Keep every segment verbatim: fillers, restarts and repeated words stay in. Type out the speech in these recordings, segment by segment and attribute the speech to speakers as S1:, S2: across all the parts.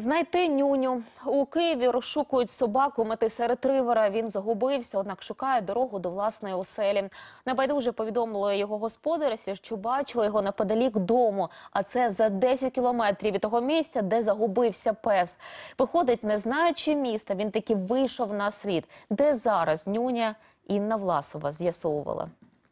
S1: Знайти нюню. У Києві розшукують собаку метиса-ретривера. Він загубився, однак шукає дорогу до власної оселі. Небайдуже повідомили його господарці, що бачили його неподалік дому. А це за десять кілометрів від того місця, де загубився пес. Виходить, не знаючи міста, він таки вийшов на слід. Де зараз нюня, Інна Власова з'ясовувала.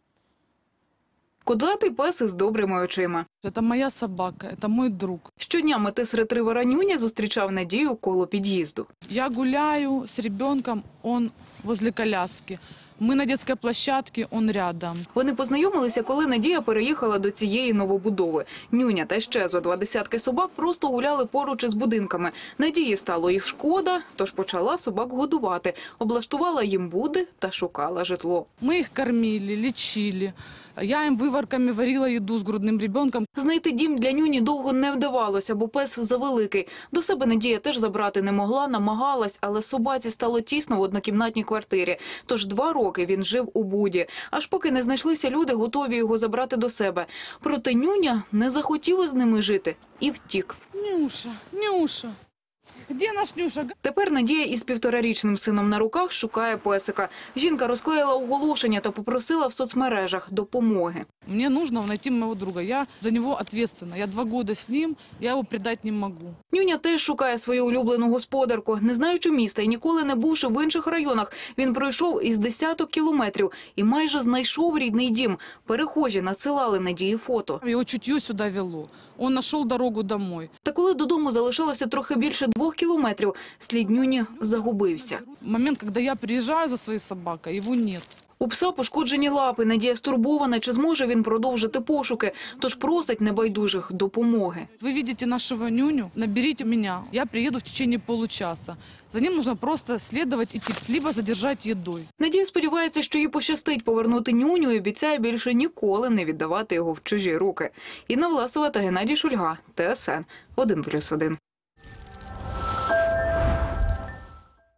S2: Кудлатий пес із добрими очима.
S3: Це моя собака, це мій друг.
S2: Щодня метис-ретривера Нюня зустрічав Надію коло під'їзду.
S3: Я гуляю з ребенком, він возле коляски. Ми на дитячій площадці, він рядом.
S2: Вони познайомилися, коли Надія переїхала до цієї новобудови. Нюня та ще зо два десятки собак просто гуляли поруч із будинками. Надії стало їх шкода, тож почала собак годувати. Облаштувала їм буди та шукала житло.
S3: Ми їх кормили, лічили. Я їм виварками варила їду з грудним ребенком.
S2: Знайти дім для Нюні довго не вдавалося, бо пес завеликий. До себе Надія теж забрати не могла, намагалась, але собаці стало тісно в однокімнатній квартирі. Тож два роки він жив у буді. Аж поки не знайшлися люди, готові його забрати до себе. Проте Нюня не захотів із ними жити і втік.
S3: Нюша, Нюша. Де наш Нюша?
S2: Тепер Надія із півторарічним сином на руках шукає песика. Жінка розклеїла оголошення та попросила в соцмережах допомоги.
S3: Мені потрібно знайти мого друга. Я за нього відповідальна. Я два роки з ним, я його предати не можу.
S2: Нюня теж шукає свою улюблену господарку. Не знаючи міста і ніколи не бувши в інших районах, він пройшов із десяток кілометрів і майже знайшов рідний дім. Перехожі надсилали Надії фото.
S3: Його чуття сюди вело. Він знайшов дорогу додому.
S2: Та коли додому залишалося трохи більше двох кілометрів, слід Нюні загубився.
S3: Момент, коли я приїжджаю за своєю собакою, його немає.
S2: У пса пошкоджені лапи. Надія стурбована, чи зможе він продовжити пошуки, тож просить небайдужих допомоги.
S3: Ви бачите нашого Нюню, наберіть мене. Я приїду в течение получаса. За ним потрібно просто слідувати, йти, або задержати їдою.
S2: Надія сподівається, що їй пощастить повернути Нюню і обіцяє більше ніколи не віддавати його в чужі руки. Інна Власова та Геннадій Шульга, Т С Н один плюс один.